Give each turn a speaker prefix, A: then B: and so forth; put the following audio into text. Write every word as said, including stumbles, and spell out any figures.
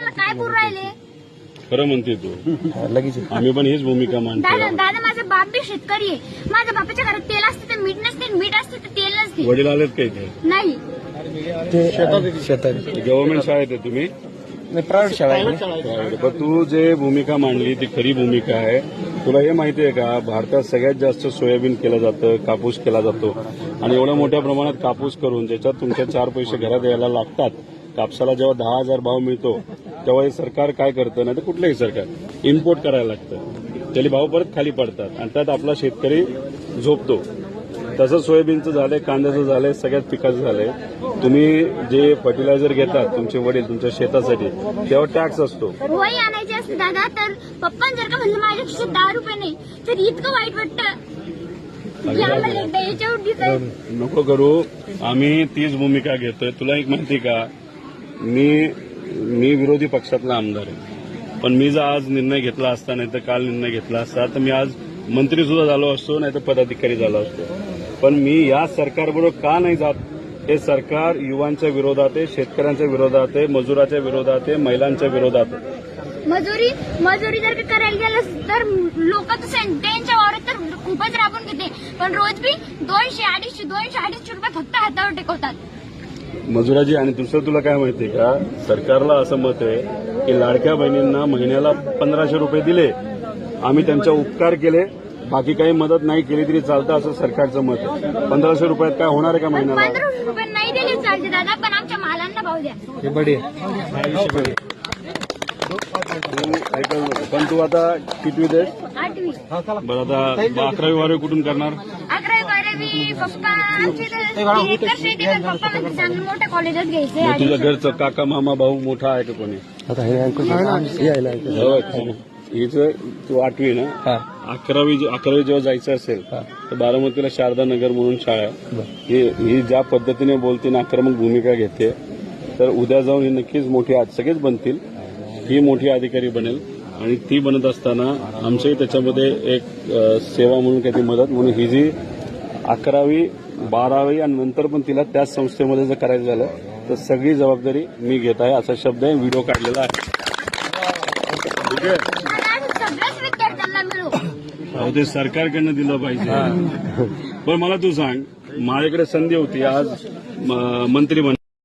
A: आम्हाला काय पुरू राहिले?
B: खरं म्हणते तू लगेच आम्ही पण हीच भूमिका मांडतो.
A: दादा दादा माझा बाप बी शेतकरी आहे. माझ्या बापाच्या घरात तेल असते तर मीठ नसते, मीठ असते तर तेल नसते.
B: वडील आलेत का इथे?
A: नाही,
B: गव्हर्नमेंट शाळेत आहे तुम्ही?
C: प्रायव्हेट शाळा आहे.
B: पण तू जे भूमिका मांडली ती खरी भूमिका आहे. तुला हे माहिती आहे का, भारतात सगळ्यात जास्त सोयाबीन केलं जातं, कापूस केला जातो आणि एवढ्या मोठ्या प्रमाणात कापूस करून ज्याच्यात तुमच्या चार पैसे घरात यायला लागतात. कापसाला जेव्हा दहा हजार भाव मिळतो तेव्हा हे सरकार काय करतं, नाही तर कुठलंही सरकार इम्पोर्ट करायला लागतं. त्याला भाव परत खाली पडतात आणि त्यात आपला शेतकरी झोपतो. तसं सोयाबीनचं झालंय, कांद्याचं झालंय, सगळ्याच पिकाचं झालंय. तुम्ही जे फर्टिलायझर घेतात तुमचे वडील तुमच्या शेतासाठी तेव्हा टॅक्स असतो.
A: वही आणायची असते दादा, तर पप्पा जर का म्हणलं माझ्या खिशात दहा रुपये नाही तर इतकं वाईट वाटतं की आम्हाला एकदा याच्यावर दिसायचं.
B: नको करू, आम्ही तीच भूमिका घेतोय. तुला एक माहिती का, मी मी विरोधी पक्षातला आमदार आहे, पण मी जर आज निर्णय घेतला असता नाही तर काल निर्णय घेतला असता तर मी आज मंत्री सुद्धा झालो असतो, नाही तर पदाधिकारी झालो असतो. पण मी या सरकारबरोबर का नाही जात? हे सरकार युवांच्या विरोधात आहे, शेतकऱ्यांच्या विरोधात आहे, मजुराच्या विरोधात आहे, महिलांच्या विरोधात आहे.
A: मजुरी मजुरी जर का करायला गेलं तर लोक त्यांच्या वावरात तर खूपच राबून घेते, पण रोज बी दोनशे अडीचशे दोनशे अडीचशे रुपये फक्त हातावर टेकवतात
B: मजुराजी. आणि दुसरं तुला काय माहितीये का, सरकारला असं मत आहे की लाडक्या बहिणींना महिन्याला पंधराशे रुपये दिले, आम्ही त्यांचा उपकार केले, बाकी काही मदत नाही केली तरी चालतं, असं सरकारचं मत आहे. पंधराशे रुपयात काय होणार आहे का महिन्याला?
A: पंधराशे रुपये नाही दिले चालते दादा, पण आमच्या मालांना भाव द्या.
C: हे बढी
B: पण तू आता कितवी दे?
A: आठवी
B: बरं, आता अकरावी बारावी कुठून करणार?
A: अकरावी बारावी पप्पा आमचे तर एकर शेती, पण पप्पा म्हणजे चांगलं मोठ्या कॉलेजात घ्यायचे.
B: मग तुझ्या घरचं काका मामा भाऊ मोठा आहे का कोणी?
C: आता हे यायला
B: हिचं तू आठवी ना, अकरावी अकरावी जेव्हा जायचं असेल तर बारामतीला शारदा नगर म्हणून शाळा आहे. ही ही ज्या पद्धतीने बोलते ना, आक्रमक भूमिका घेते, तर उद्या जाऊन ही नक्कीच मोठी, आज सगळेच बनतील, ही मोठी अधिकारी बनेल. आणि ती बनत असताना आमच्याही त्याच्यामध्ये एक सेवा म्हणून काही मदत म्हणून ही जी अकरावी बारावी आणि नंतर पण तिला त्याच संस्थेमध्ये जर करायचं झालं तर सगळी जबाबदारी मी घेत आहे, असा शब्द आहे. व्हिडिओ काढलेला आहे. ठीक आहे,
A: सगळ्याच विद्यार्थ्यांना मिळू.
B: अहो ते सरकारकडनं दिलं पाहिजे. पण मला तू सांग, माझ्याकडे संधी होती आज मंत्री बन